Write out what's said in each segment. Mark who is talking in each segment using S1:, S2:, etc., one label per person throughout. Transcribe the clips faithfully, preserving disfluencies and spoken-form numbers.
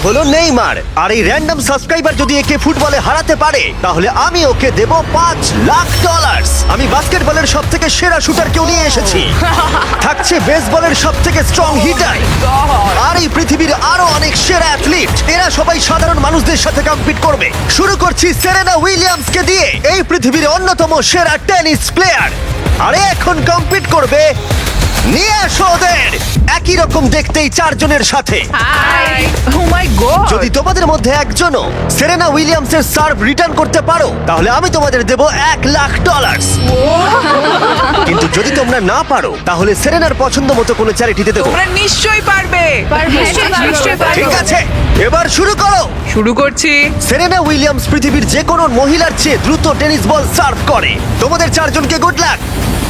S1: হলো নেইমার। আর এই random subscriber যদি একে ফুটবলে হারাতে পারে তাহলে আমি ওকে দেব পাঁচ লাখ ডলার। আমি বাস্কেটবলের সব থেকে সেরা শুটার কেউ নিয়ে এসেছি, থাকছে বেসবলের সব থেকে স্ট্রং হিটার, আর এই পৃথিবীর আরো অনেক সেরা অ্যাথলিট। এরা সবাই সাধারণ মানুষদের সাথে কম্পিট করবে। শুরু করছি সেরেনা উইলিয়ামসকে দিয়ে, এই পৃথিবীর অন্যতম সেরা টেনিস প্লেয়ার। আরে এখন কম্পিট করবে নিয়ে আসো ওদের একই রকম দেখতেই চারজনের সাথে।
S2: হাই ও মাই গড
S1: যদি তোমাদের মধ্যে একজনও সেরেনা উইলিয়ামসের সার্ভ রিটার্ন করতে পারো তাহলে আমি তোমাদের দেব এক লাখ ডলার। কিন্তু যদি তোমরা না পারো তাহলে সেরেনার পছন্দ মতো কোনো চ্যারিটিতে দেবো।
S2: তোমরা নিশ্চয়ই পারবে
S3: পারবে,
S2: নিশ্চয়ই পারবে,
S3: নিশ্চয়ই
S2: পারবে।
S1: ঠিক আছে, এবার শুরু করো।
S2: শুরু করছি।
S1: সেরেনা উইলিয়ামস পৃথিবীর যে কোনো মহিলার চেয়ে দ্রুত টেনিস বল সার্ভ করে। তোমাদের চারজনকে গুড লাক।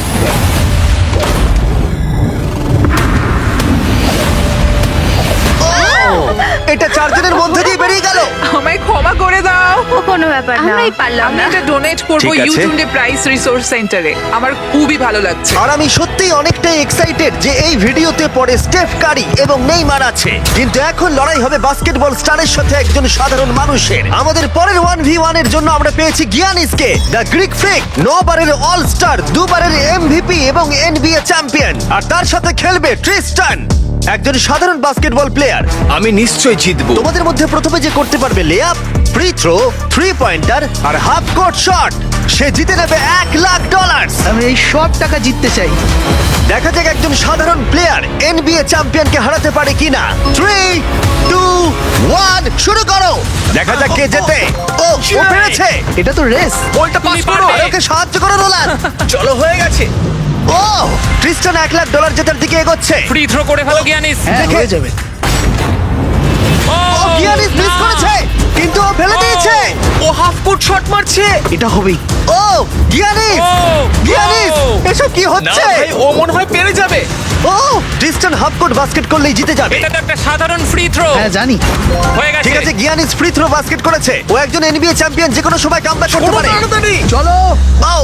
S1: এটা চারজনের মধ্যে দিয়ে বেরিয়ে গেল।
S2: আমায় ক্ষমা করে দাও।
S3: ও কোনো ব্যাপার না, আমরাই পারলাম
S2: আমি
S3: না।
S2: এটা ডোনেট করব
S1: ঠিক আছে।
S2: ইউটিউবে প্রাইস রিসোর্স সেন্টারে। আমার খুবই ভালো লাগছে।
S1: আর আমি সত্যিই অনেকটাই এক্সাইটেড যে এই ভিডিওতে পরে স্টেফ কারি এবং নেইমার আছে, কিন্তু এখন লড়াই হবে বাস্কেটবল স্টারের সাথে একজন সাধারণ মানুষের। আমাদের পরের ওয়ান ভি ওয়ান এর জন্য আমরা পেয়েছি গিয়ানিসকে, দ্য গ্রিক ফ্রিক, নবারের অল স্টার, দুবারের এমভিপি এবং এনবিএ চ্যাম্পিয়ন। আর তার সাথে খেলবে ট্রিস্টান, একজন সাধারণ বাস্কেটবল প্লেয়ার।
S4: আমি নিশ্চয়ই জিতবো।
S1: তোমাদের মধ্যে প্রথমে যে করতে পারবে layup, free throw, three pointer আর হাফ কোর্ট শট, সে জিতে নেবে এক লাখ ডলার।
S5: আমি এই সব টাকা জিততে চাই।
S1: দেখা যাক একজন সাধারণ প্লেয়ার এনবিএ চ্যাম্পিয়নকে হারাতে পারে কিনা। থ্রি টু ওয়ান শুরু করো। দেখা যাক কে জেতে। ও ও পেরেছে।
S5: এটা তো রেস।
S4: বলটা পাস করো।
S1: আর ওকে সাহায্য করো নোলান।
S4: চলো, হয়ে গেছে।
S1: ও ক্রিস্টান এক লাখ ডলার জেতার দিকে এগোচ্ছে।
S6: ফ্রি থ্রো করে ফেলো গিয়ানিস।
S5: হ্যাঁ,
S1: দেখে-
S5: হয়ে যাবে।
S6: ও
S1: ও গিয়ানিস মিস করেছে, কিন্তু ও ফেলে দিয়েছে।
S4: ও হাফ কোর্ট শট মারছে।
S5: এটা হবেই।
S1: ও গিয়ানিস,
S6: ও,
S1: গিয়ানিস
S6: ও।
S1: এসব কি
S4: না
S1: হচ্ছে?
S4: ভাই, ও মনে হয় পেরে যাবে।
S1: ও ক্রিস্টান হাফ কোর্ট বাস্কেট করলেই জিতে যাবে।
S6: এটা তো একটা সাধারণ ফ্রি থ্রো।
S5: হ্যাঁ জানি।
S6: হয়ে গেছে।
S1: ঠিক আছে, গিয়ানিস ফ্রি থ্রো বাস্কেট করেছে। ও একজন এনবিএ চ্যাম্পিয়ন, যে কোনো সময় কামব্যাক করতে পারে।
S4: তাড়াতাড়ি।
S5: চলো।
S1: ও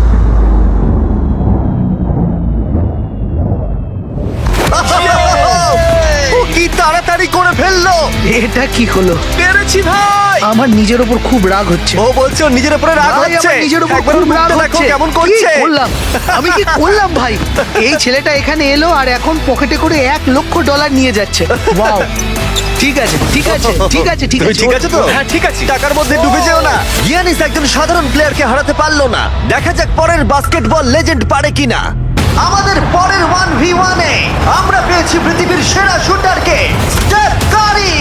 S1: ও কি তাড়াতাড়ি করে ফেললো।
S5: এটা কি হলো?
S4: পেরেছি ভাই।
S5: আমার নিজের উপর খুব রাগ হচ্ছে।
S1: ও বলছে ওর নিজের উপরে রাগ
S5: ভাই,
S1: হচ্ছে।
S5: আমার নিজের উপর
S1: একবার
S5: খুব
S1: ওর
S5: রাগ
S1: মুখটা দেখো
S5: হচ্ছে।
S1: কেমন
S5: কি
S1: করছে।
S5: করলাম? আমি কি করলাম ভাই? এই ছেলেটা এখানে এলো আর এখন পকেটে করে এক লক্ষ ডলার নিয়ে যাচ্ছে। ওয়াও। ঠিক আছে, ঠিক আছে, ঠিক আছে, ঠিক
S1: তুমি
S5: আছে।
S1: ঠিক আছে তো?
S4: হ্যাঁ, ঠিক আছে।
S1: টাকার মধ্যে ডুবে যেও না। গিয়ানিস একজন সাধারণ প্লেয়ারকে হারাতে পারলো না। দেখা যাক পরের বাস্কেটবল লেজেন্ড পারে কিনা। আমাদের পরের ওয়ান ভি ওয়ানে আমরা পেয়েছি পৃথিবীর সেরা শুটারকে, স্টেফ কারি,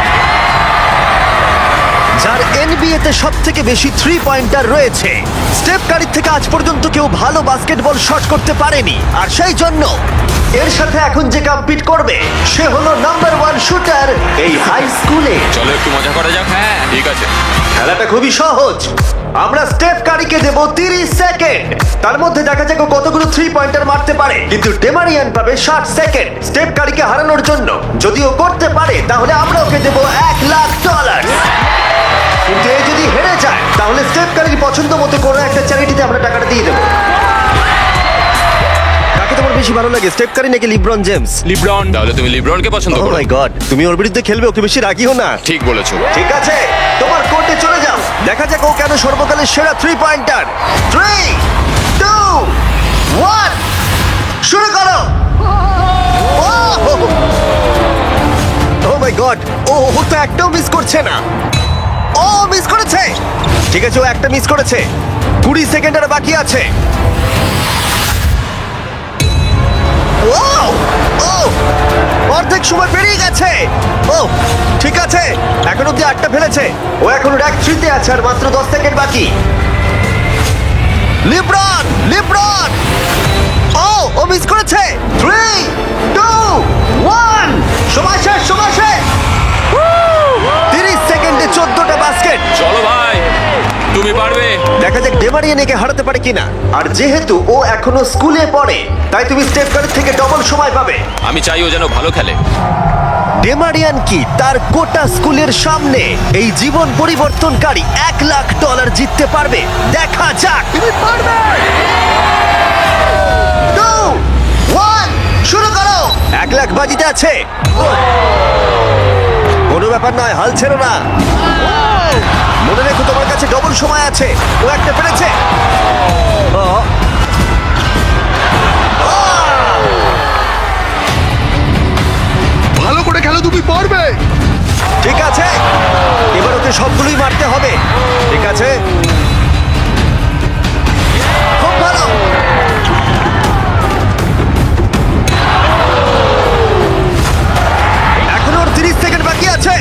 S1: যার এনবিএ তে সব থেকে বেশি থ্রি পয়েন্টার রয়েছে। স্টেফ কারির থেকে আজ পর্যন্ত কেউ ভালো বাস্কেটবল শট করতে পারেনি, আর সেই জন্য এর সাথে এখন যে কম্পিট করবে সে হলো নাম্বার ওয়ান শুটার এই হাই স্কুলে।
S6: চলো একটু মজা করা যাক। হ্যাঁ ঠিক আছে।
S1: খেলাটা খুবই সহজ। আমরা স্টেফ কারিকে দেব তিরিশ সেকেন্ড। তার মধ্যে দেখা যাক ও কতগুলো থ্রি পয়েন্টার মারতে পারে। কিন্তু ডেমারিয়ান পাবে ষাট সেকেন্ড স্টেফ কারিকে হারানোর জন্য। যদি ও করতে পারে তাহলে আমরা ওকে দেব এক লাখ ডলার। কিন্তু এ যদি হেরে যায় তাহলে স্টেফ কারির পছন্দ মতো কোনো একটা চ্যারিটিতে আমরা টাকাটা দিয়ে দেবো। কাকে তোমার বেশি ভালো লাগে, স্টেফ কারি নাকি লিব্রন জেমস?
S6: লিব্রন। তাহলে তুমি লিব্রনকে পছন্দ
S1: ও
S6: করো।
S1: মাই গড, তুমি ওর বিরুদ্ধে খেলবে, ওকে বেশি রাগিও না।
S6: ঠিক বলেছো।
S1: ঠিক আছে, তোমার কোর্টে চলে যাও। দেখা যাক ও কেন সর্বকালের সেরা three pointer. Three two one শুরু করো। ও মাই গড, ও ও তো একটাও মিস করছে না। ও মিস করেছে। ঠিক আছে, ও একটা মিস করেছে। কুড়ি সেকেন্ড আর বাকি আছে। ও ও অর্ধেক সময় পেরিয়ে গেছে। ও ঠিক আছে, এখন অব্দি আটটা ফেলেছে। ও এখন র্যাক থ্রিতে আছে আর মাত্র দশ সেকেন্ড বাকি। লিব্রন, লিব্রন, ও ও মিস করেছে। থ্রি টু ওয়ান সময় শেষ, সময় শেষ। তিরিশ সেকেন্ডে চোদ্দটা বাস্কেট।
S6: চলো ভাই, তুমি পারবে।
S1: দেখা যাক ডেমারিয়ান একে হারাতে পারে কিনা। আর যেহেতু ও এখনো স্কুলে পড়ে তাই তুমি স্টেপ কারের থেকে ডবল সময় পাবে।
S6: আমি চাই ও যেন ভালো খেলে।
S1: ডেমারিয়ান কি তার গোটা স্কুলের সামনে এই জীবন পরিবর্তনকারী এক লাখ ডলার জিততে পারবে? দেখা যাক। তুমি পারবে। টু ওয়ান শুরু করো। এক লাখ বাজিতে আছে। কোনো ব্যাপার ব্যাপার নয়, হাল ছেড়ো না। মনে রেখো তোমার কাছে ডবল সময় আছে। ও একটা পেরেছে। ও।
S5: ভালো করে খেলো, তুমি পারবে।
S1: ঠিক আছে, এবার ওকে সবগুলোই মারতে হবে। ঠিক আছে, খুব ভালো। এখনো ওর তিরিশ সেকেন্ড বাকি আছে।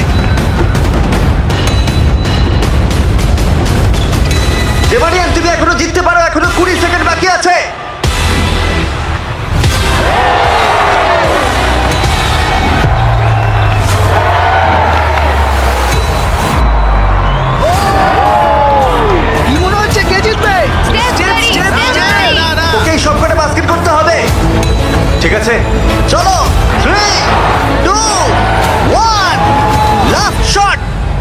S1: ডেমারিয়ান, তুমি এখনো জিততে পারো, এখনো কুড়ি সেকেন্ড বাকি আছে।
S5: কি মনে হচ্ছে কে জিতবে?
S1: ওকে সব কটা বাস্কেট করতে হবে। ঠিক আছে, চলো। Three two one, last shot.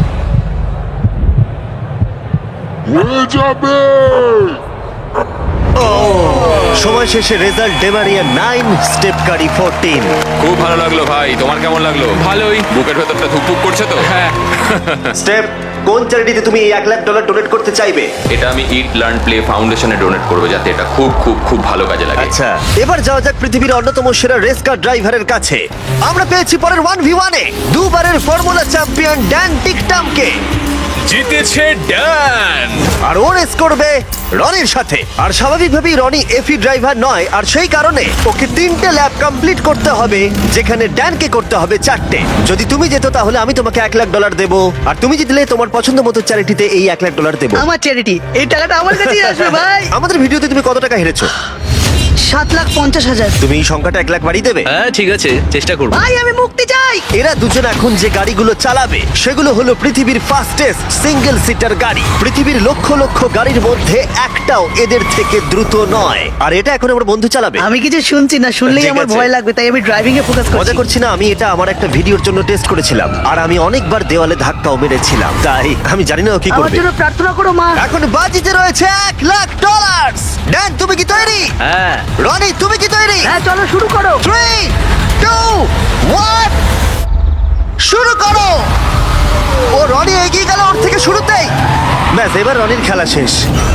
S1: সময় শেষে রেজাল্ট ডেমারিয়া নাইন, স্টেপ কারি ফোরটিন।
S6: খুব ভালো লাগলো ভাই, তোমার কেমন লাগলো? ভালোই। বুকের ভেতরটা ধুকপুক করছে তো? হ্যাঁ।
S1: স্টেপ, কোন চ্যারিটিতে তুমি এই এক লাখ ডলার ডোনেট করতে চাইবে?
S6: এটা আমি ইট লার্ন প্লে ফাউন্ডেশনে ডোনেট করবো, যাতে এটা খুব খুব খুব ভালো কাজে লাগে।
S1: আচ্ছা, এবার যাওয়া যাক পৃথিবীর অন্যতম সেরা রেস কার ড্রাইভারের কাছে। আমরা পেয়েছি পরের ওয়ান ভি ওয়ানে দুবারের ফর্মুলা চ্যাম্পিয়ন ড্যান টিকটামকে।
S4: জিতেছে ড্যান।
S1: আর ও রেস করবে রনির সাথে। আর স্বাভাবিকভাবেই রনি এফি ড্রাইভার নয়, আর সেই কারণে ওকে তিনটে ল্যাব কমপ্লিট করতে হবে, যেখানে ড্যানকে করতে হবে চারটে। যদি তুমি যেত তাহলে আমি তোমাকে এক লাখ ডলার দেবো, আর তুমি জিতলে তোমার পছন্দ মতো চ্যারিটিতে এই এক লাখ ডলার দেবো।
S5: আমার চ্যারিটি, এই টাকাটা আমার কাছেই আসবে ভাই।
S1: আমাদের ভিডিওতে তুমি কত টাকা হেরেছো?
S5: সাত লাখ পঞ্চাশ হাজার।
S1: তুমি এই সংখ্যাটা এক লাখ বাড়িয়ে দেবে?
S4: হ্যাঁ ঠিক আছে, চেষ্টা করবো।
S5: ভাই আমি মুক্তি চাই।
S1: এরা দুজন এখন যে গাড়িগুলো চালাবে সেগুলো হলো পৃথিবীর ফাস্টেস্ট সিঙ্গেল সিটার গাড়ি। পৃথিবীর লক্ষ লক্ষ গাড়ির মধ্যে একটাও এদের থেকে দ্রুত নয়। আর এটা এখন আমার বন্ধু চালাবে।
S5: আমি কিছু শুনছি না, শুনলেই
S1: ঠিক
S5: আমার
S1: আছে।
S5: ভয় লাগবে, তাই আমি ড্রাইভিং এ ফোকাস
S1: মজা
S5: করছি।
S1: করছি না, আমি এটা আমার একটা ভিডিওর জন্য টেস্ট করেছিলাম, আর আমি অনেকবার দেওয়ালে ধাক্কাও মেরেছিলাম, তাই আমি জানি না ও কি
S5: আমার
S1: করবে।
S5: জন্য প্রার্থনা করো মা।
S1: এখন বাজিতে রয়েছে এক লাখ ডলার। ড্যান, তুমি কি তৈরি?
S4: হ্যাঁ।
S1: রনি, তুমি কি তৈরি?
S5: হ্যাঁ চলো শুরু করো।
S1: থ্রি টু ওয়ান, শুরু করো। ও রনি এগিয়ে গেল ওর থেকে শুরুতেই। ব্যাস, এবার রনির খেলা শেষ।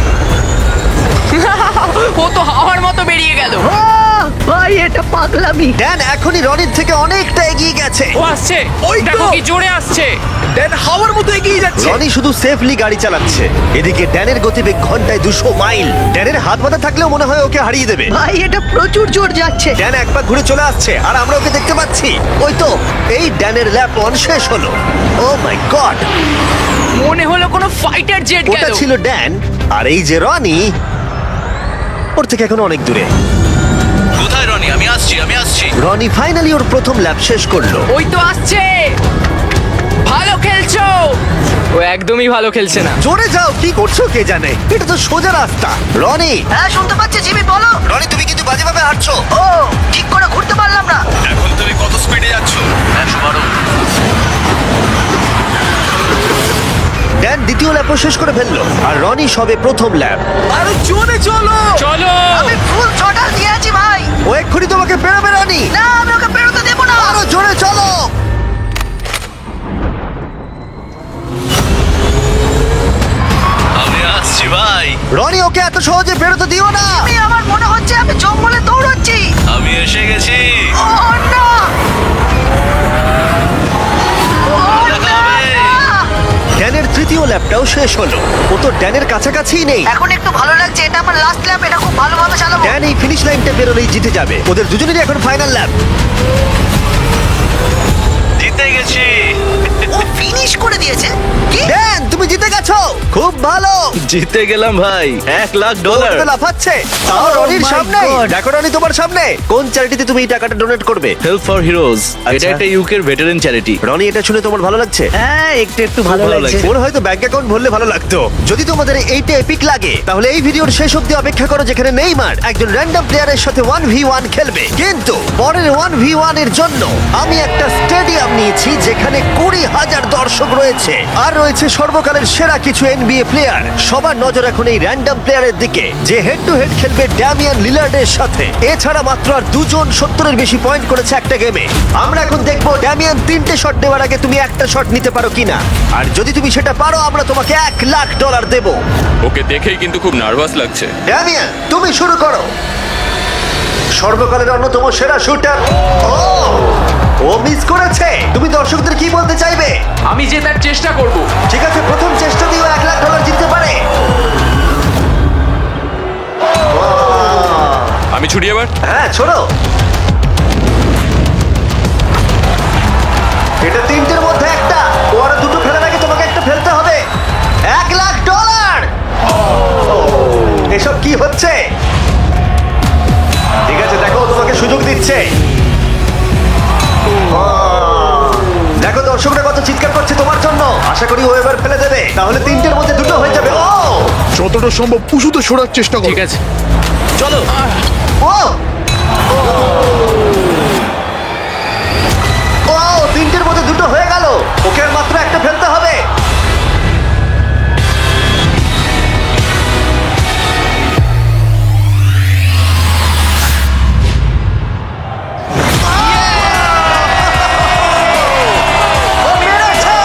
S2: ও তো হাওয়ার মতো বেরিয়ে গেল।
S5: আহ, ভাই এটা পাগলামি।
S1: ড্যান এখনই রনির থেকে অনেকটা এগিয়ে গেছে।
S2: ও আসছে,
S4: ওই তো।
S2: দেখো কি জোরে আসছে।
S4: ড্যান হাওয়ার মতো এগিয়ে যাচ্ছে।
S1: রনি শুধু সেফলি গাড়ি চালাচ্ছে, এদিকে ড্যানের গতিবেগ ঘন্টায় দুশো মাইল। ড্যানের হাত বাঁধা থাকলেও মনে হয় ওকে হারিয়ে দেবে।
S5: ভাই এটা প্রচুর জোর যাচ্ছে।
S1: ড্যান এক পা ঘুরে চলে আসছে, আর আমরা ওকে দেখতে পাচ্ছি। ওই তো, এই ড্যানের ল্যাপ ওয়ান শেষ হলো। ও মাই গড,
S2: মনে হলো কোনো ফাইটার জেট
S1: ওটা
S2: গেল।
S1: ছিল ড্যান, আর এই যে রনি, ওর থেকে এখন অনেক দূরে।
S4: কোথায় রনি? আমি আসছি, আমি আসছি।
S1: রনি ফাইনালি ওর প্রথম ল্যাপ শেষ করলো।
S2: ওই তো আসছে। ভালো খেলছো। ও একদমই ভালো খেলছে না।
S1: জোরে যাও, কি করছো কে জানে, এটা তো সোজা রাস্তা। রনি,
S5: হ্যাঁ শুনতে পাচ্ছি জিমি, বলো।
S1: রনি তুমি কিন্তু বাজেভাবে হাঁটছো।
S5: ও ঠিক করে ঘুরতে পারলাম না।
S4: এখন তুমি কত স্পিডে যাচ্ছ? একশো বারো।
S1: ড্যান দ্বিতীয় ল্যাপও শেষ করে ফেললো, আর রনি সবে প্রথম ল্যাপ।
S4: আরো জোরে চলো।
S2: চলো।
S5: আমি ফুল থ্রটাল দিয়ে আছি ভাই।
S1: ও এক্ষুনি তোমাকে পেরোবে রনি।
S5: না আমি ওকে বেরোতে দেবো না।
S1: আরো জোরে চলো।
S4: আমি আসছি ভাই।
S1: রনি ওকে এত সহজে বেরোতে দিও না।
S5: আমি আমার মনে হচ্ছে আমি জঙ্গলে দৌড়চ্ছি।
S4: আমি এসে গেছি।
S5: ও না। ও
S4: দেখা
S5: না,
S4: হবে।
S5: না।
S1: ড্যানের তৃতীয় ল্যাপটাও শেষ হলো। ও তো ড্যানের কাছাকাছিই নেই।
S5: এখন একটু ভালো লাগছে, এটা আমার লাস্ট ল্যাপ, এটা খুব ভালোভাবে চালাবো।
S1: ড্যান এই ফিনিশ লাইনটা বেরোলেই জিতে যাবে। ওদের দুজনেরই এখন ফাইনাল ল্যাপ।
S4: জিতে গেছি।
S5: ও ফিনিশ করে দিয়েছে। কি?
S1: ড্যান তুমি জিতে গেছো, খুব ভালো।
S4: জিতে গেলাম ভাই, এক লাখ
S1: ওটা তো লাফাচ্ছে। তাও
S5: Oh
S1: রনির
S5: my
S1: সামনে।
S5: God.
S1: দেখো রনি তোমার সামনে। কোন চ্যারিটিতে তুমি এই টাকাটা ডোনেট করবে?
S4: Help for heroes.
S1: আচ্ছা।
S4: এটা একটা ইউকের ভেটারেন চ্যারিটি।
S1: রনি, এটা শুনে তোমার ভালো লাগছে?
S5: হ্যাঁ একটু একটু ভালো
S4: ভালো
S5: লাগছে।
S4: লাগছে।
S1: ওর হয়তো ব্যাংক অ্যাকাউন্ট ভরলে ভালো লাগতো। যদি তোমাদের এইটা এপিক লাগে তাহলে এই ভিডিওর শেষ অবধি অপেক্ষা করো, যেখানে নেইমার একজন র্যান্ডম প্লেয়ারের সাথে ওয়ান ভি ওয়ান খেলবে। কিন্তু পরের ওয়ান ভি ওয়ান এর জন্য আমি একটা স্টেডিয়াম নিয়েছি যেখানে কুড়ি হাজার দর্শক রয়েছে, আর রয়েছে সর্বকালের সেরা সেরা কিছু এনবিএ প্লেয়ার। সবার নজর এখন এই র্যান্ডম প্লেয়ারের দিকে যে হেড টু হেড খেলবে ড্যামিয়ান লিলার্ডের সাথে। এছাড়া মাত্র আর দুজন সত্তরের বেশি পয়েন্ট করেছে একটা গেমে। আমরা এখন দেখবো ড্যামিয়ান তিনটে শট নেওয়ার আগে তুমি একটা শট নিতে পারো কিনা, আর যদি তুমি সেটা পারো আমরা তোমাকে এক লাখ ডলার দেবো।
S6: ওকে দেখেই কিন্তু খুব নার্ভাস লাগছে।
S1: ড্যামিয়ান তুমি শুরু করো। সর্বকালের অন্যতম সেরা শুটার। ও ও মিস করেছে। তুমি দর্শকদের কি বলতে চাইবে?
S2: আমি জেতার চেষ্টা করব।
S1: ঠিক আছে, প্রথম চেষ্টা দিয়েও এক লাখ ডলার জিততে পারে।
S6: আমি ছুটি এবার।
S1: হ্যাঁ ছোড়ো। এটা তিনটের মধ্যে একটা। ও আরো দুটো ফেলার আগে তোমাকে একটা ফেলতে হবে। এক লাখ ডলার। এসব কি হচ্ছে? ঠিক আছে, দেখো ও তোমাকে সুযোগ দিচ্ছে। দেখো দর্শকরা কত চিৎকার করছে তোমার জন্য। আশা করি ও এবার ফেলে দেবে, তাহলে তিনটের মধ্যে দুটো হয়ে যাবে। ও
S7: যতটা সম্ভব উঁচুতে সরার চেষ্টা করো।
S2: ঠিক আছে।
S4: চলো।
S1: ও ও তিনটের মধ্যে দুটো হয়ে গেল। ওকে আর মাত্র একটা ফেলতে হবে। ও পেরেছে!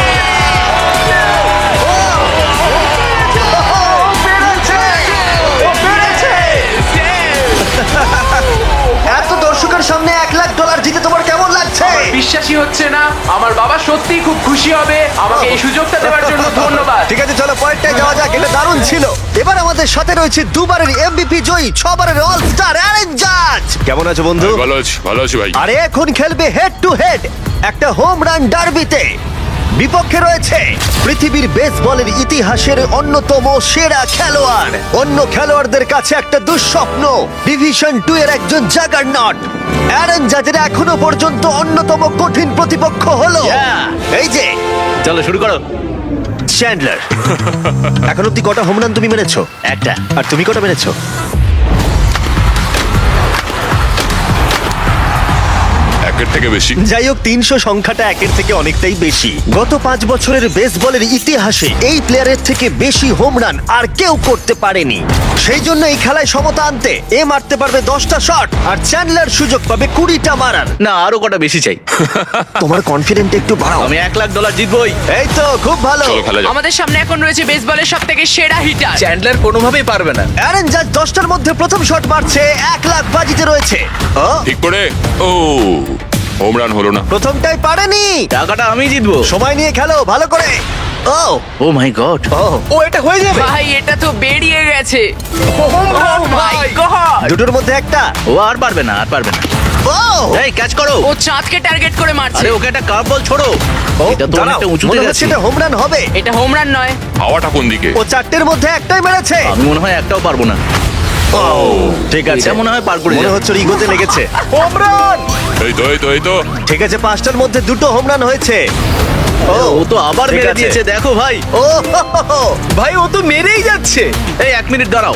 S1: ও পেরেছে! ও পেরেছে! এত দর্শকের সামনে এক লাখ ডলার জিতে তোমার কেমন লাগছে?
S2: বিশ্বাসই হচ্ছে না। আমার বাবা সত্যিই খুব খুশি হবে। আমাকে এই সুযোগটা দেওয়ার জন্য ধন্যবাদ।
S1: ঠিক আছে, চলো পয়েন্টটায় যাওয়া যাক। এটা দারুণ ছিল। এবার আমাদের সাথে রয়েছে দুবারের এমভিপি জয়ী, ছবারের অল স্টার অ্যারেন জাজ। কেমন আছো বন্ধু?
S6: ভালো আছি, ভালো আছি ভাই।
S1: আরে এখন খেলবে হেড টু হেড একটা হোম রান ডার্বিতে। বিপক্ষে রয়েছে পৃথিবীর বেসবলের ইতিহাসের অন্যতম সেরা খেলোয়াড়। অন্য খেলোয়াড়দের কাছে একটা দুঃস্বপ্ন, ডিভিশন টু এর একজন জাগারনট। অ্যারন জাজের এখনো পর্যন্ত অন্যতম কঠিন প্রতিপক্ষ হলো
S4: Yeah!
S1: এই যে
S4: চলো শুরু করো।
S1: চ্যান্ডলার। এখন অব্দি কটা হোম রান তুমি মেরেছো?
S4: একটা।
S1: আর তুমি কটা মেরেছো?
S6: একের থেকে বেশি।
S1: যাই হোক, তিনশো সংখ্যাটা একের থেকে অনেকটাই বেশি। গত পাঁচ বছরের বেসবলের ইতিহাসে এই প্লেয়ারের থেকে বেশি হোম রান আর কেউ করতে পারেনি। সেই জন্য এই খেলায় সমতা আনতে এ মারতে পারবে দশটা শট আর চ্যান্ডলার সুযোগ পাবে কুড়িটা মারার।
S4: না, আরো কটা বেশি চাই।
S1: তোমার কনফিডেন্ট একটু বাড়াও।
S4: আমি এক লাখ ডলার জিতবই।
S1: এই তো খুব ভালো।
S6: চলো খেলা যাক।
S2: আমাদের সামনে এখন রয়েছে বেসবলের সব থেকে সেরা হিটার।
S4: চ্যান্ডলার কোনোভাবেই পারবে না।
S1: অ্যারন জাজ দশটার মধ্যে প্রথম শট মারছে, এক লাখ বাজিতে রয়েছে। ও
S6: ঠিক করে। ও হোম রান হলো না।
S1: প্রথমটাই পারেনি।
S4: টাকাটা আমি জিতবো।
S1: সময় নিয়ে খেলো ভালো করে। ও
S4: ও মাই গড।
S1: ও
S5: ও এটা হয়ে যাবে।
S2: ভাই এটা তো বেরিয়ে গেছে। Oh my God!
S1: দুটোর মধ্যে একটা।
S4: ও আর পারবে না, আর পারবে না।
S1: ও
S4: এই ক্যাচ করো।
S2: ও চাঁদকে টার্গেট করে মারছে।
S4: আরে ওকে একটা কার্ভ বল ছোড়ো। এটা তো
S1: দাঁড়াও,
S4: অনেকটা উঁচুতে
S1: মনে
S4: গেছে।
S1: হচ্ছে এটা হোম রান হবে।
S2: এটা হোম রান নয়।
S6: হাওয়াটা কোন দিকে?
S1: ও চারটের মধ্যে একটাই মেরেছে।
S4: আমি মনে হয় একটাও পারবো না।
S1: ঠিক আছে,
S4: এটা মনে হয় পার করে
S1: মনে
S4: যাবে।
S1: হচ্ছে ওর ইগোতে লেগেছে।
S5: Home run.
S6: এই তো এই তো এই তো।
S1: ঠিক আছে, পাঁচটার মধ্যে দুটো হোম রান হয়েছে। ও
S4: ও তো আবার
S1: ঠিক
S4: মেরে
S1: আছে।
S4: দিয়েছে, দেখো ভাই।
S1: ও হো, হো, হো।
S5: ভাই ও তো মেরেই যাচ্ছে।
S4: এই এক মিনিট দাঁড়াও।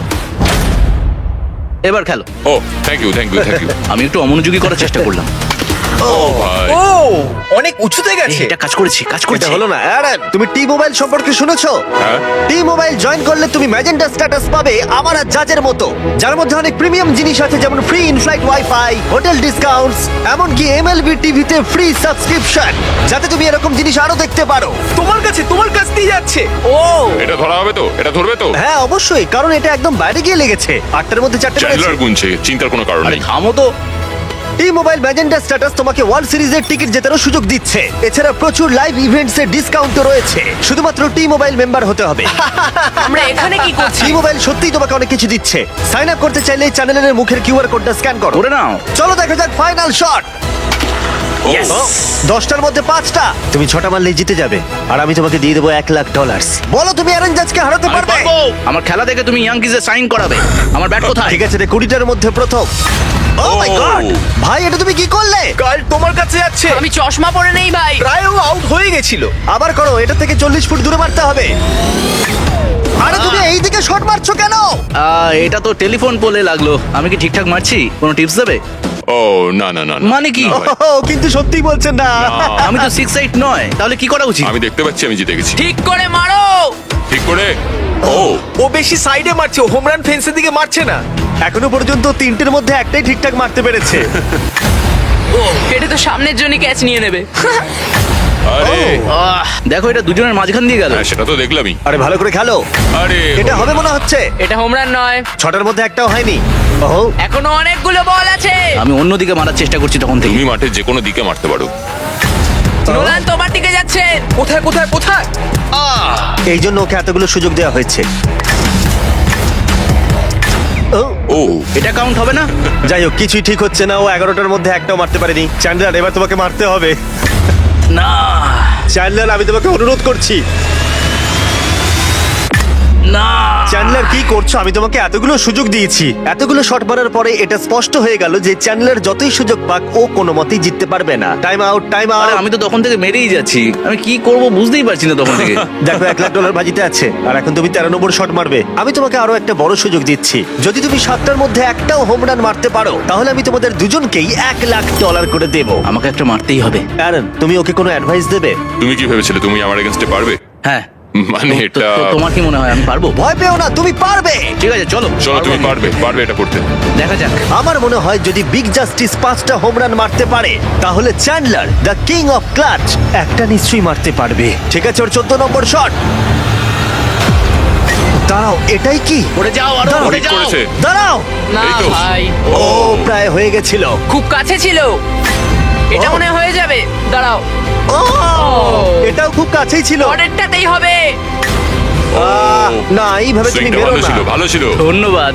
S4: এবার খেলো।
S6: ও thank you thank you thank you.
S4: আমি একটু অমনোযোগী করার চেষ্টা করলাম।
S6: ও ভাই।
S5: ও অনেক উঁচুতে
S4: এই,
S5: গেছে।
S4: এটা কাজ করেছি, কাজ
S1: এটা
S4: করেছি।
S1: হলো না। অ্যারন, তুমি টি মোবাইল সম্পর্কে শুনেছো?
S6: হ্যাঁ।
S1: টি মোবাইল জয়েন করলে তুমি ম্যাজেন্টা স্ট্যাটাস পাবে আমার আর জাজের মতো, যার মধ্যে অনেক প্রিমিয়াম জিনিস আছে, যেমন free inflight wifi, hotel discounts, এমনকি এমএলবি টিভিতে ফ্রি সাবস্ক্রিপশন, যাতে তুমি এরকম জিনিস আরো দেখতে পারো।
S5: তোমার কাছে তোমার কাছ দিয়ে যাচ্ছে।
S1: ও
S6: এটা ধরা হবে তো? এটা ধরবে তো?
S1: হ্যাঁ অবশ্যই, কারণ এটা একদম বাইরে গিয়ে লেগেছে। আটটার মধ্যে চারটে মেরেছে।
S6: চ্যান্ডলার গুনছে, চিন্তার কোনো কারণ
S4: আরে
S6: নেই।
S4: থামো তো।
S1: টি মোবাইল ম্যাজেন্টা স্ট্যাটাস তোমাকে ওয়ার্ল্ড সিরিজের টিকিট জেতারও সুযোগ দিচ্ছে। এছাড়া প্রচুর লাইভ ইভেন্টস এর ডিসকাউন্টও রয়েছে। শুধুমাত্র টি মোবাইল মেম্বার হতে হবে।
S2: আমরা এখানে কি করছি?
S1: টি মোবাইল সত্যিই তোমাকে অনেক কিছু দিচ্ছে। সাইন আপ করতে চাইলে চ্যানেলের মুখের কিউআর কোডটা স্ক্যান করো।
S4: করে নাও।
S1: চলো দেখা যাক ফাইনাল শট।
S6: ও,
S1: দশটার মধ্যে পাঁচটা। তুমি ছটা মারলেই জিতে যাবে, আর আমি তোমাকে দিয়ে দেবো এক লাখ ডলার। বলো তুমি অ্যারন জাজকে হারাতে
S6: আমি
S1: পারবে?
S6: পারবো।
S4: আমার খেলা দেখে তুমি ইয়াংকিজে সাইন করাবে। আমার ব্যাট কোথায়?
S1: ঠিক আছে রে, কুড়িটার মধ্যে প্রথম। ও মাই গড, ভাই এটা তুমি কি করলে?
S5: কাল তোমার কাছে যাচ্ছে।
S2: আমি চশমা পরে নেই ভাই।
S5: প্রায় ও আউট হয়ে গেছিল।
S1: আবার করো, এটা থেকে চল্লিশ ফুট দূরে মারতে হবে। আরে তুমি এইদিকে শট মারছো কেন?
S4: আহ, এটা তো টেলিফোন পোলে লাগলো। আমি কি ঠিকঠাক মারছি? কোনো টিপস দেবে?
S6: ও না না না না।
S4: মানে কি?
S6: না ভাই।
S1: ও, কিন্তু সত্যিই বলছেন না।
S6: না।
S4: আমি তো সিক্স এইট নয়, তাহলে কি করা উচিত?
S6: আমি দেখতে পাচ্ছি আমি জিতে গেছি।
S2: ঠিক করে মারো।
S8: ঠিক করে ও
S9: ও বেশি সাইডে মারছে, হোম রান ফেন্সের দিকে মারছে না।
S1: এখনো পর্যন্ত তিনটের মধ্যে একটাই ঠিকঠাক মারতে পেরেছে।
S2: এটা তো সামনের জন্য ক্যাচ নিয়ে নেবে।
S8: আরে
S4: আহ, দেখো এটা দুজনের মাঝখান দিয়ে গেল।
S8: হ্যাঁ সেটা তো দেখলামই।
S1: আরে ভালো করে খেলো,
S8: আরে
S1: এটা হবে মনে হচ্ছে।
S2: এটা হোম রান নয়,
S1: ছটার মধ্যে একটাও হয়নি। ওহো,
S2: এখনো অনেকগুলো বল আছে।
S4: আমি অন্যদিকে মারার চেষ্টা করছি তখন থেকে।
S8: তুমি মাঠের যে কোনো দিকে মারতে পারো।
S2: নোলান তোমার দিকে যাচ্ছে।
S9: কোথায় কোথায় কোথায়?
S1: এই জন্য ওকে এতগুলো সুযোগ দেওয়া হয়েছে। ও,
S8: ও
S4: এটা কাউন্ট হবে না।
S1: যাই হোক, কিছুই ঠিক হচ্ছে না। ও এগারোটার মধ্যে একটাও মারতে পারেনি। চ্যান্ডলার, এবার তোমাকে মারতে হবে।
S4: না
S1: চ্যান্ডলার, আমি তোমাকে অনুরোধ করছি।
S4: না
S1: চ্যান্ডলার, কি করছো? আমি তোমাকে এতগুলো সুযোগ দিয়েছি। এতগুলো শট মারার পরে এটা স্পষ্ট হয়ে গেল যে চ্যান্ডলার যতই সুযোগ পাক ও কোনো মতেই জিততে পারবে না। টাইম আউট, টাইম
S4: আরে
S1: আউট।
S4: আমি তো তখন থেকে মেরেই যাচ্ছি, আমি কি করব বুঝতেই পারছি না তখন থেকে।
S1: দেখো, এক লাখ ডলার বাজিতে আছে আর এখন তুমি তেরো নম্বর শট মারবে। আমি তোমাকে আরো একটা বড় সুযোগ দিচ্ছি। যদি তুমি সাতটার মধ্যে একটাও হোম রান মারতে পারো, তাহলে আমি তোমাদের দুজনকেই এক লাখ ডলার করে দেবো।
S4: আমাকে একটা মারতেই হবে।
S1: অ্যারন, তুমি ওকে কোনো অ্যাডভাইস দেবে?
S8: তুমি কি ভেবেছিলে তুমি আমার এগেইনস্টে পারবে?
S4: হ্যাঁ
S8: মানে
S4: তো-
S8: এটা
S4: তো- তোমার কি মনে হয় আমি পারবো?
S1: ভয় পেও না, তুমি পারবে।
S4: ঠিক আছে চলো
S8: চলো তুমি পারবে পারবে এটা করতে।
S4: দেখা যাক।
S1: আমার মনে হয় যদি বিগ জাস্টিস পাঁচটা হোম রান মারতে পারে, তাহলে Chandler the king of clutch একটা নিশ্চয়ই মারতে পারবে। ঠিক আছে, ওর চোদ্দ নম্বর শট। দাঁড়াও, এটাই কি?
S4: পড়ে যাও আরো
S1: দাঁড়াও,
S4: পড়ে
S8: ঠিক
S4: যাও।
S8: করেছে।
S1: দাঁড়াও।
S2: না
S8: এই তো।
S2: ভাই,
S1: ও প্রায় হয়ে গেছিল।
S2: খুব কাছে ছিল। এটা
S1: ও।
S2: মনে হয় হয়ে যাবে। দাঁড়াও,
S1: ও, এটাও খুব কাছেই ছিল।
S2: পরেরটাতেই হবে।
S1: আহ, না, এইভাবে তুমি
S8: সুইংটা
S1: বেরো
S8: ভালো
S1: না।
S8: ছিল ভালো ছিল।
S4: ধন্যবাদ।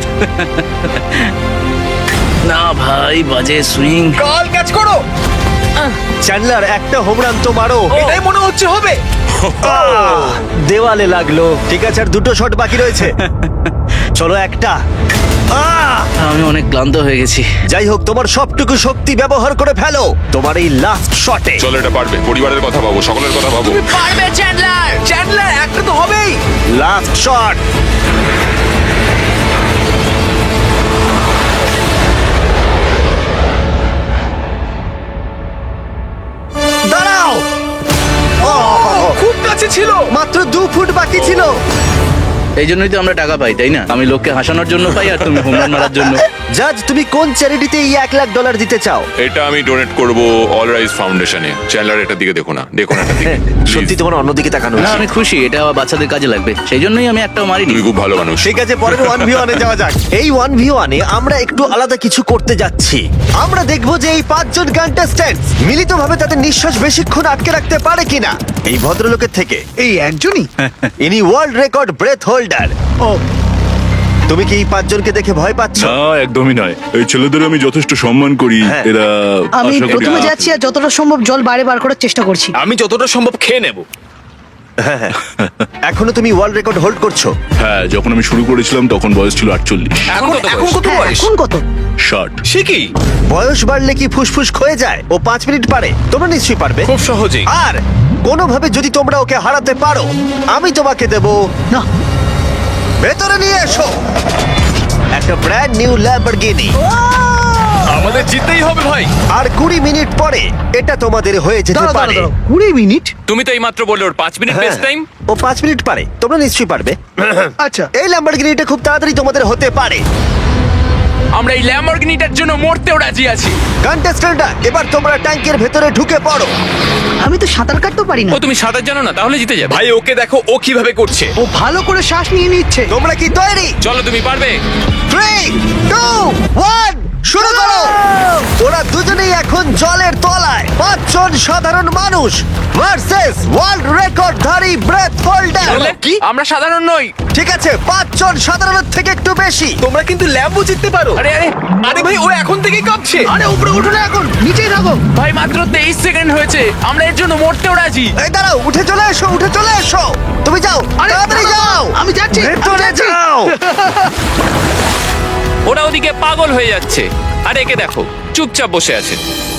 S4: না ভাই, বাজে সুইং।
S9: কাল ক্যাচ করো।
S1: চ্যান্ডলার, একটা হোম রান তো মারো।
S9: এটাই মনে হচ্ছে হবে।
S1: আহ, দেওয়ালে লাগলো। ঠিক আছে, আর দুটো শট বাকি রয়েছে। চলো একটা। আহ!
S4: আমি অনেক ক্লান্ত হয়ে গেছি।
S1: যাই হোক, তোমার সবটুকু শক্তি ব্যবহার করে ফেলো তোমার এই লাস্ট শটে।
S8: চলো এটা পারবে, পরিবারের কথা ভাবো, সকলের কথা ভাবো।
S2: পারবে চ্যান্ডলার।
S9: চ্যান্ডলার, একটা তো হবেই।
S1: Last shot. দাঁড়াও। ও,
S9: খুব কাছে ছিল।
S1: মাত্র দু ফুট বাকি ছিল।
S4: এই জন্যই তো আমরা টাকা পাই, তাই না? আমি লোককে হাসানোর জন্য পাই আর তুমি হোম রান মারার জন্য।
S1: জাজ, তুমি কোন চ্যারিটিতে এই এক লাখ ডলার দিতে চাও?
S8: এটা আমি ডোনেট করব অল রাইজ ফাউন্ডেশনে। চ্যান্ডলার এটার দিকে দেখো না, দেখো না এটার দিকে।
S1: সত্যি
S8: Please,
S1: তোমার অন্যদিকে তাকানো
S4: না
S1: উচিত।
S4: আমি খুশি, এটা আমার বাচ্চাদের কাজে লাগবে, সেই জন্যই আমি একটাও মারিনি।
S8: তুমি খুব ভালো মানুষ।
S1: ঠিক আছে, পরের ওয়ান ভি ওয়ানে যাওয়া যাক। এই ওয়ান ভি ওয়ানে আমরা একটু আলাদা কিছু করতে যাচ্ছি। আমরা দেখব যে এই পাঁচজন কন্টেস্ট্যান্ট মিলিতভাবে তাদের নিঃশ্বাস বেশিক্ষণ আটকে রাখতে পারে কিনা। এই ভদ্রলোকের থেকে
S5: এই একজনই?
S1: ইনি ওয়ার্ল্ড রেকর্ড ব্রেথ হোল্ডার।
S5: ও,
S1: তুমি কি এই পাঁচজনকে দেখে ভয় পাচ্ছ?
S7: না একদমই নয়, এই ছেলেদের আমি যথেষ্ট সম্মান করি।
S1: হ্যাঁ।
S7: এরা
S5: আমি
S7: আশা করি-
S5: প্রথমে যাচ্ছি আর যতটা সম্ভব জল বাইরে বার করার চেষ্টা করছি।
S9: আমি যতটা সম্ভব খেয়ে নেব।
S1: এখনো তুমি ওয়ার্ল্ড রেকর্ড হোল্ড করছো?
S7: হ্যাঁ, যখন আমি শুরু করেছিলাম তখন বয়স ছিল আটচল্লিশ।
S9: এখন এখন কত
S5: হ্যাঁ,
S9: বয়স?
S5: এখন কত?
S7: ষাট।
S9: সে কি?
S1: বয়স বাড়লে কি ফুসফুস ক্ষয়ে যায়? ও পাঁচ মিনিট পারে, তোমরা নিশ্চয়ই পারবে।
S9: খুব সহজেই।
S1: আর কোনোভাবে যদি তোমরা ওকে হারাতে পারো, আমি তোমাকে দেবো।
S5: না,
S1: ভেতরে নিয়ে এসো একটা ব্র্যান্ড নিউ ল্যাম্বরগিনি।
S9: আমাদের জিততেই হবে ভাই।
S1: আর কুড়ি মিনিট পরে এটা তোমাদের হয়ে যেতে
S5: দাঁড়াও,
S1: পারে।
S5: দাঁড়াও, দাঁড়াও, কুড়ি মিনিট?
S6: তুমি তো এই মাত্র বললে ওর পাঁচ মিনিট
S1: হ্যাঁ,
S6: বেস্ট টাইম।
S1: ও পাঁচ মিনিট পারে, তোমরা নিশ্চয়ই পারবে।
S5: আচ্ছা,
S1: এই ল্যাম্বরগিনিটা খুব তাড়াতাড়ি তোমাদের হতে পারে।
S2: আমরা এই ল্যাম্বরগিনিটার জন্য মরতেও রাজি আছি।
S1: কন্টেস্ট্যান্টরা, এবার তোমরা ট্যাঙ্কের ভেতরে ঢুকে পড়ো।
S5: আমি তো সাঁতার কাটতেও পারি না।
S6: ও তুমি সাঁতার জানো না, তাহলে জিতে যাবে।
S9: ভাই ওকে দেখো ও কিভাবে করছে।
S5: ও ভালো করে শ্বাস নিয়ে নিচ্ছে।
S1: তোমরা কি তৈরি?
S6: চলো তুমি পারবে।
S1: থ্রি টু ওয়ান, শুরু করো। ওরা দুজনেই এখন জলের তলায়। পাঁচজন সাধারণ মানুষ ভার্সেস ওয়ার্ল্ড রেকর্ডধারী ব্রেথ হোল্ডার।
S2: কি? আমরা সাধারণ নই।
S1: ঠিক আছে, পাঁচজন সাধারণের থেকে একটু বেশি।
S9: তোমরা কিন্তু ল্যাম্বো জিততে পারো।
S2: আরে আরে
S9: আরে ভাই ও এখন থেকেই কাঁপছে।
S5: আরে উপরে উঠো না, এখন নিচেই থাকো।
S2: ভাই, মাত্র তেইশ সেকেন্ড হয়েছে, আমরা এর জন্য মরতেও রাজি।
S1: এই দাঁড়াও, উঠে চলে এসো, উঠে চলে এসো। তুমি যাও,
S5: আরে,
S1: তাড়াতাড়ি যাও।
S5: আমি যাচ্ছি, আমি
S1: ভেতরে
S5: যাচ্ছি।
S1: যাও।
S6: ওরা ওদিকে পাগল হয়ে যাচ্ছে, আর একে দেখো চুপচাপ বসে আছে।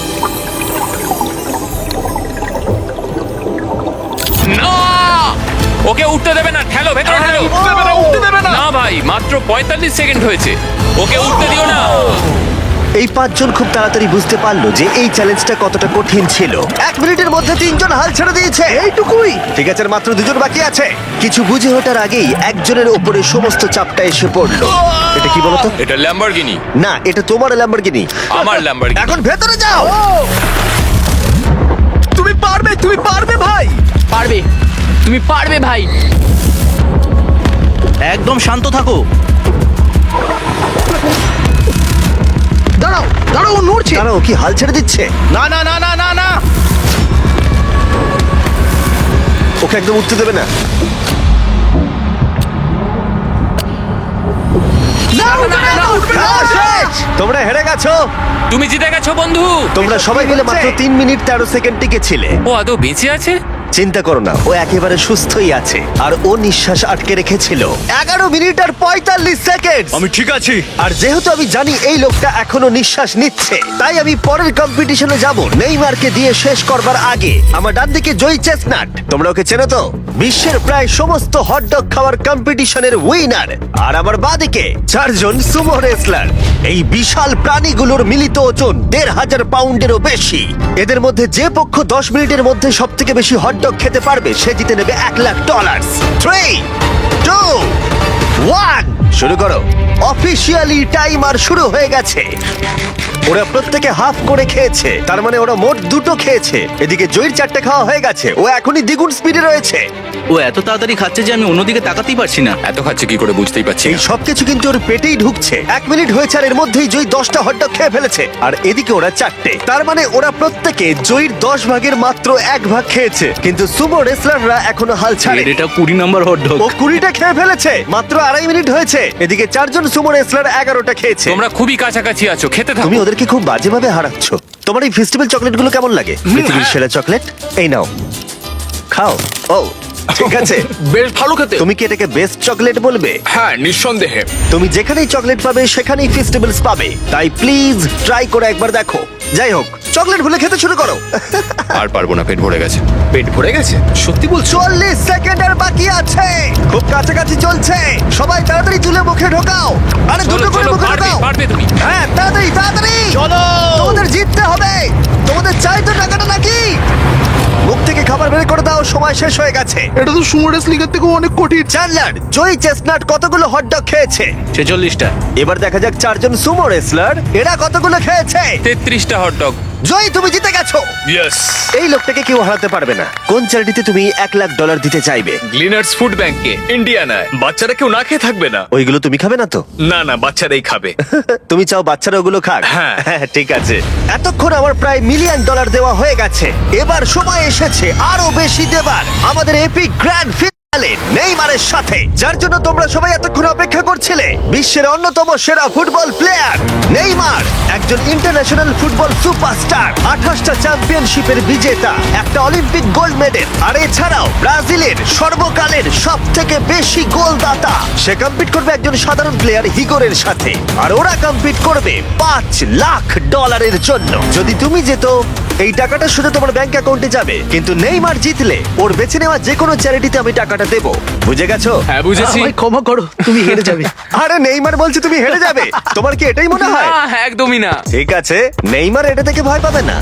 S6: না, ওকে উঠতে দেবে না, ঠেলো ভেতরে ঠেলো।
S9: উঠতে দেবে না, উঠতে দেবে না।
S6: না ভাই, মাত্র পঁয়তাল্লিশ সেকেন্ড হয়েছে, ওকে উঠতে দিও না।
S1: এই পাঁচজন খুব তাড়াতাড়ি বুঝতে পারলো যে এই চ্যালেঞ্জটা কতটা কঠিন ছিল। এক মিনিটের মধ্যে তিনজন হাল ছেড়ে দিয়েছে।
S5: এইটুকুই?
S1: ঠিক আছে, আর মাত্র দুজন বাকি আছে। কিছু বুঝে ওঠার আগেই একজনের উপরে সমস্ত চাপটা এসে পড়লো। এটা কি বলতো?
S8: এটা ল্যাম্বরগিনি।
S1: না, এটা তোমার ল্যাম্বরগিনি।
S8: আমার ল্যাম্বরগিনি।
S1: এখন ভেতরে যাও।
S9: তুমি পারবে, তুমি পারবে ভাই।
S2: পারবে, তুমি পারবে ভাই।
S4: একদম শান্ত থাকো।
S5: দাঁড়াও দাঁড়াও, ও নড়ছে।
S1: দাঁড়াও, কি হাল ছেড়ে দিচ্ছে?
S4: না না না না না না
S1: ওকে একদম উঠতে দেবে না।
S5: না, উঠবে না, উঠবে না।
S1: খেলা শেষ। তোমরা হেরে গেছো।
S2: তুমি জিতে গেছো বন্ধু।
S1: তোমরা সবাই মিলে মাত্র তিন মিনিট তেরো সেকেন্ড টিকেছিলে।
S2: ও আদৌ বেঁচে আছে?
S1: চিন্তা করো না, ও একেবারে সুস্থই আছে। আর ও নিঃশ্বাস আটকে রেখেছিল এগারো মিনিট আর পঁয়তাল্লিশ সেকেন্ড।
S7: আমি ঠিক আছি।
S1: আর যেহেতু আমি জানি এই লোকটা এখনো নিঃশ্বাস নিচ্ছে, তাই আমি পরের কম্পিটিশনে যাব নেইমারকে দিয়ে শেষ করবার আগে। আমার ডান দিকে জয়ী চেস্টনাট, তোমরা ওকে চেনো তো, বিশ্বের প্রায় সমস্ত হটডগ খাওয়ার কম্পিটিশনের উইনার। আর আমার বাঁদিকে চারজন সুমো রেসলার। এই বিশাল প্রাণীগুলোর মিলিত ওজন দেড় হাজার পাউন্ডেরও বেশি। এদের মধ্যে যে পক্ষ দশ মিনিটের মধ্যে সব থেকে বেশি হটডগ খেতে পারবে সে জিতে নেবে এক lakh dollar. Three two one, শুরু করো। অফিসিয়ালি টাইমার শুরু হয়ে গেছে। ওরা প্রত্যেকে হাফ করে খেয়েছে, তার মানে ওরা মোট দুটো খেয়েছে। এদিকে জয়ীর চারটে খাওয়া হয়ে গেছে, ও এখনই দ্বিগুণ স্পিডে রয়েছে।
S4: ও এত তাড়াতাড়ি খাচ্ছে যে আমি অন্যদিকে তাকাতেই পারছি না।
S8: এত খাচ্ছে কি করে বুঝতেই পারছি
S1: এই
S8: না।
S1: সবকিছু কিন্তু ওর পেটেই ঢুকছে। এক মিনিট হয়েছে আর এর মধ্যেই জয়ী দশটা হটডগ খেয়ে ফেলেছে, আর এদিকে ওরা চারটে। তার মানে ওরা প্রত্যেকে জয়ীর দশ ভাগের মাত্র এক ভাগ খেয়েছে। কিন্তু সুমো রেসলাররা এখনো হাল ছাড়ে।
S4: এর এটা কুড়ি নম্বর হট ডগ।
S1: ও কুড়িটা খেয়ে ফেলেছে, মাত্র আড়াই মিনিট হয়েছে। এদিকে চারজন সুমো রেসলার এগারোটা খেয়েছে।
S2: তোমরা খুবই কাছাকাছি আছো, খেতে থাকো।
S1: তুমি ওদেরকে খুব বাজেভাবে হারাচ্ছ। তোমার এই ফেস্টিভ্যাল চকলেটগুলো কেমন লাগে? পৃথিবীর সেরা চকলেট। এই নাও, খাও। ও ঠিক আছে।
S9: বেশ ভালো খেতে।
S1: তুমি কি এটাকে বেস্ট চকলেট বলবে?
S9: হ্যাঁ, নিঃসন্দেহে।
S1: তুমি যেখানেই চকলেট পাবে সেখানেই ফেস্টিভ্যালস পাবে, তাই প্লিজ ট্রাই করে একবার দেখো। যাই হোক, চকলেট ভুলে খেতে শুরু করো।
S8: আর পারবো না, পেট ভরে গেছে।
S9: পেট ভরে গেছে? সত্যি বলছো?
S1: চল্লিশ সেকেন্ডের বাকি আছে, খুব কাছাকাছি চলছে। সবাই তাড়াতাড়ি তুলে মুখে ঢোকাও। আরে
S2: চলো,
S1: দুটো করে
S2: চলো,
S1: মুখে
S2: পারবে,
S1: ঢোকাও।
S2: পারবে তুমি।
S1: হ্যাঁ, তাড়াতাড়ি তাড়াতাড়ি
S4: চলো।
S1: তোমাদের জিততে হবে। তোমাদের চাই তো টাকাটা নাকি? মুখ থেকে খাবার বের করে দাও, সময় শেষ হয়ে গেছে।
S5: এটা তো সুমো রেসলিংয়ের থেকেও অনেক কঠিন।
S1: চ্যান্ডলার, জয়ী চেস্টনাট কতগুলো হটডগ খেয়েছে?
S4: ছেচল্লিশটা।
S1: এবার দেখা যাক চারজন সুমো রেসলার এরা কতগুলো খেয়েছে।
S2: তেত্রিশটা হটডগ।
S1: জয়ী, তুমি জিতে গেছো।
S9: ইয়েস।
S1: এই লোকটাকে কেউ হারাতে পারবে না। কোন চ্যারিটিতে তুমি এক লাখ ডলার দিতে চাইবে?
S9: গ্লিনার্স ফুড ব্যাংকে, ইন্ডিয়ানায়। বাচ্চারা কেউ না খেয়ে থাকবে না।
S1: ওইগুলো তুমি খাবে না তো?
S9: না না, বাচ্চারাই খাবে।
S1: তুমি চাও বাচ্চারা ওগুলো খাক?
S9: হ্যাঁ।
S1: ঠিক আছে। এতক্ষণ আমার প্রায় মিলিয়ন ডলার দেওয়া হয়ে গেছে। এবার সময় এসেছে আরো বেশি দেবার। আমাদের এপিক গ্র্যান্ড ফিনালে নেইমারের সাথে, যার জন্য তোমরা সবাই এতক্ষণ অপেক্ষা করছিলে। বিশ্বের অন্যতম সেরা ফুটবল প্লেয়ার নেইমার, একজন ইন্টারন্যাশনাল ফুটবল সুপারস্টার, আঠাশটা চ্যাম্পিয়নশিপের বিজেতা, একটা অলিম্পিক গোল্ড মেডেল, আর এছাড়াও ব্রাজিলের সর্বকালের সব থেকে বেশি গোলদাতা। সে কম্পিট করবে একজন সাধারণ প্লেয়ার হিগোরের সাথে, আর ওরা কম্পিট করবে পাঁচ লাখ ডলারের জন্য। যদি তুমি যেত, এই টাকাটা শুধু তোমার ব্যাংক অ্যাকাউন্টে যাবে, কিন্তু নেইমার জিতলে ওর বেছে নেওয়া যে কোনো চ্যারিটিতে আমি টাকাটা দেবো। বুঝে গেছো?
S2: হ্যাঁ, বুঝেছি।
S5: আমায় ক্ষমা করো, তুমি হেরে যাবে।
S1: আরে নেইমার বলছে তুমি হেরে যাবে। তোমার কি এটাই মনে হয়?
S2: না, একদমই না।
S1: ঠিক আছে, নেইমার এটা থেকে ভয় পাবে না।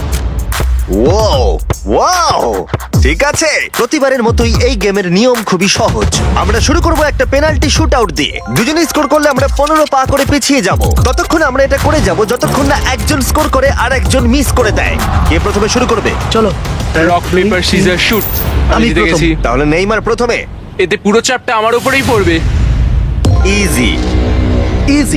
S1: ওয়াও ওয়াও, ঠিক আছে। প্রতিবারের মতোই এই গেমের নিয়ম খুবই সহজ। আমরা শুরু করব একটা পেনাল্টি শুট আউট দিয়ে। দুজনে স্কোর করলে আমরা পনেরো পা করে পিছিয়ে যাব। ততক্ষণ আমরা এটা করে যাব যতক্ষণ না একজন স্কোর করে আর একজন মিস করে দেয়। কে প্রথমে শুরু করবে?
S5: চলো।
S2: Rock paper scissors shoot. আমি
S5: আমি
S2: জিতে
S5: প্রথম।
S2: গেছি।
S1: তাহলে নেইমার প্রথমে।
S2: এতে পুরো চাপটা আমার উপরেই পড়বে।
S1: Easy
S5: easy.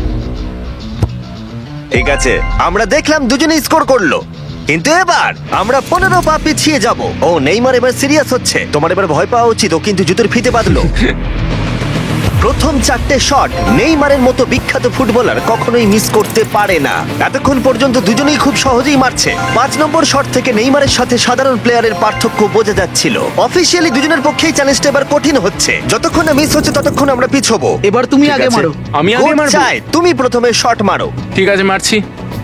S1: ঠিক আছে, আমরা দেখলাম দুজনেই স্কোর করলো, কিন্তু এবার আমরা পনেরো পা পিছিয়ে যাব। ও নেইমার এবার সিরিয়াস হচ্ছে। তোমার এবার ভয় পাওয়া উচিত, ও কিন্তু জুতোর ফিতে বাঁধলো। প্রথম চারটে শট নেইমারের মতো বিখ্যাত ফুটবলার কখনোই মিস করতে পারে না। এতক্ষণ পর্যন্ত দুজনেই খুব সহজেই মারছে। পাঁচ নম্বর শট থেকে নেইমারের সাথে সাধারণ প্লেয়ারের পার্থক্য বোঝা যাচ্ছিল। অফিসিয়ালি দুজনের পক্ষেই চ্যালেঞ্জটা এবার কঠিন হচ্ছে। যতক্ষণ না মিস হচ্ছে ততক্ষণ আমরা পিছবো।
S5: এবার তুমি
S1: ঠিক
S5: আগে
S1: আছে?
S5: মারো।
S2: আমি আগে
S1: কোচ
S2: মারবো?
S1: চায় তুমি প্রথমে শট মারো।
S2: ঠিক আছে, মারছি।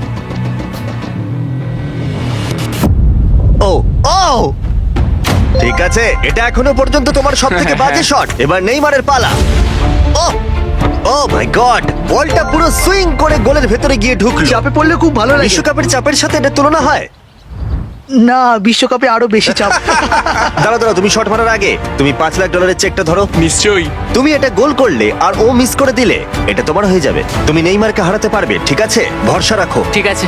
S1: ও ও ঠিক আছে, এটা এখনো পর্যন্ত তোমার সব থেকে বাজে শট। এবার নেইমারের পালা। ও ও মাই গড, বলটা পুরো সুইং করে গোলের ভেতরে গিয়ে ঢুকলো।
S5: চাপে পড়লে খুব ভালো লাগে।
S1: বিশ্বকাপের চাপের সাথে এটা তুলনা হয়?
S5: না, বিশ্বকাপে আরো বেশি চাপ।
S1: দাঁড়াও দাঁড়াও, তুমি শট মারার আগে তুমি পাঁচ লাখ ডলারের চেকটা ধরো।
S9: নিশ্চয়ই।
S1: তুমি এটা গোল করলে আর ও মিস করে দিলে এটা তোমার হয়ে যাবে। তুমি নেইমারকে হারাতে পারবে, ঠিক আছে? ভরসা রাখো।
S2: ঠিক আছে।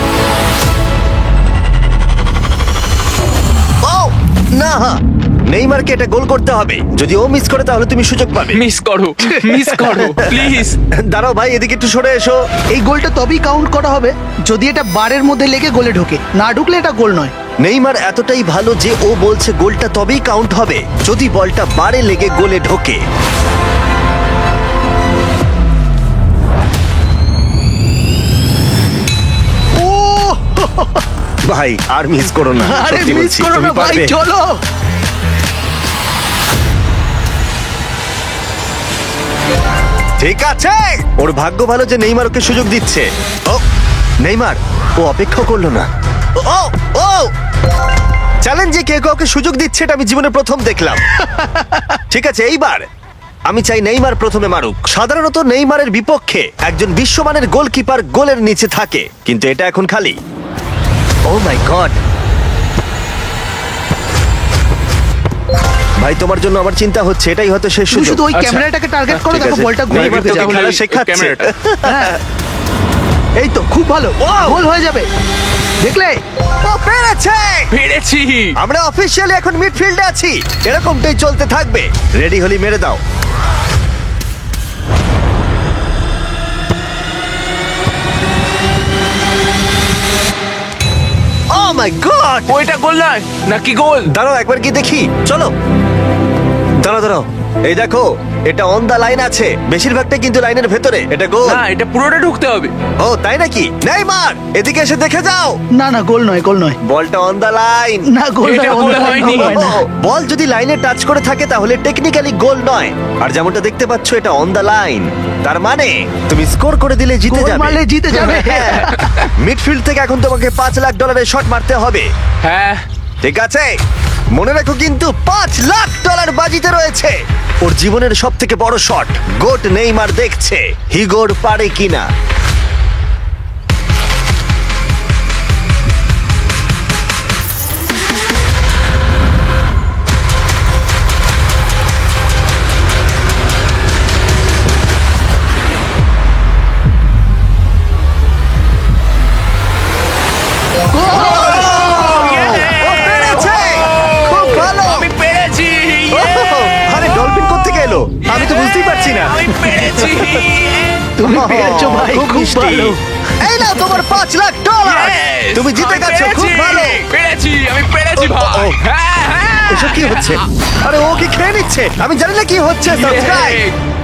S1: ও না, নেইমারকে এটা গোল করতে হবে। যদি ও মিস করে তাহলে তুমি সুযোগ পাবে।
S2: মিস করো, মিস করো প্লিজ।
S1: দাঁড়াও ভাই, এদিকে একটু সরে এসো।
S5: এই গোলটা তবেই কাউন্ট করা হবে যদি এটা বারের মধ্যে লেগে গোলে ঢোকে। না ঢুকলে এটা গোল নয়।
S1: নেইমার এতটাই ভালো যে ও বলছে গোলটা তবেই কাউন্ট হবে যদি বলটা বারে লেগে গোলে ঢোকে। ও ভাই, আর মিস করো না।
S5: আরে
S1: সত্যি
S5: মিস
S1: বলছি,
S5: করো
S1: তুমি
S5: না ভাই,
S1: পারবে।
S5: চলো।
S1: ঠিক আছে, ওর ভাগ্য ভালো যে নেইমার ওকে সুযোগ দিচ্ছে। ও নেইমার, ও অপেক্ষা করলো না। ও ও চ্যালেঞ্জে কে কাউকে সুযোগ দিচ্ছে এটা আমি জীবনে প্রথম দেখলাম। ঠিক আছে, এইবার আমি চাই নেইমার প্রথমে মারুক। সাধারণত নেইমারের বিপক্ষে একজন বিশ্বমানের গোলকিপার গোলের নিচে থাকে, কিন্তু এটা এখন খালি। ও মাই গড ভাই, তোমার জন্য আমার চিন্তা হচ্ছে। এটাই হয়তো শেষ
S5: তুমি
S1: সুযোগ।
S5: শুধু ওই
S2: আচ্ছা,
S5: ক্যামেরাটাকে টার্গেট করো,
S1: ঠিক
S5: দেখো
S1: আছে।
S5: বলটা গোলে
S1: নেইমার
S5: ঢুকে
S1: তোকে
S5: যাবে।
S1: খেলা শেখাচ্ছে।
S9: ক্যামেরাটা।
S5: হ্যাঁ। এই তো খুব ভালো, গোল হয়ে যাবে। দেখলে?
S1: ও পেরেছে!
S2: পেরেছি।
S1: আমরা অফিসিয়ালি এখন মিডফিল্ডে আছি। এরকমটাই চলতে থাকবে। রেডি হলি মেরে দাও। Oh my god!
S2: ওইটা গোল নয় নাকি গোল?
S1: দাঁড়াও একবার কি দেখি, চলো। দাঁড়াও দাঁড়াও, এই দেখো এটা অন দা লাইন আছে। বেশিরভাগটা কিন্তু লাইনের ভেতরে। এটা গোল।
S2: না, এটা পুরোটা ঢুকতে হবে।
S1: ও তাই নাকি? নেইমার, এদিকে এসে দেখে যাও।
S5: না না, গোল নয়, গোল নয়।
S1: বলটা অন দা লাইন।
S5: না, গোল
S2: এটা
S5: নয়,
S2: গোল
S5: গোল
S2: হয়নি।
S5: হয় না।
S1: বল যদি লাইনে টাচ করে থাকে তাহলে টেকনিক্যালি গোল নয়। আর যেমনটা দেখতে পাচ্ছ এটা অন দা লাইন, তার মানে তুমি স্কোর করে দিলে জিতে
S5: গোল
S1: যাবে।
S5: মারলে জিতে যাবে।
S1: হ্যাঁ। মিডফিল্ড থেকে এখন তোমাকে পাঁচ লাখ ডলারের শট মারতে হবে।
S2: হ্যাঁ।
S1: ঠিক আছে, মনে রাখো কিন্তু পাঁচ লাখ ডলার বাজিতে রয়েছে। ওর জীবনের সব থেকে বড় শট। গোট নেইমার দেখছে হিগোর পারে কিনা। ও পেরেছে! খুব ভালো!
S2: আমি পেরেছি।
S1: আরে ডলফিন কোত্থেকে এলো? আমি তো বুঝতেই পারছি না।
S2: আমি পেরেছি।
S5: তুমি পেরেছো ভাই,
S1: খুব
S5: খুব
S1: মিষ্টি।
S5: ভালো।
S1: এই নাও তোমার পাঁচ লাখ ডলার।
S2: Yes!
S1: তুমি জিতে
S2: আমি
S1: গেছো, খুব
S2: পেরেছি।
S1: ভালো।
S2: পেরেছি, আমি পেরেছি
S1: ও, ও,
S2: ভাই।
S1: ও।
S2: হ্যাঁ, হ্যাঁ।
S1: এসব কি হচ্ছে? আরে ও কি খেয়ে নিচ্ছে? আমি জানি না কি হচ্ছে। সাবস্ক্রাইব।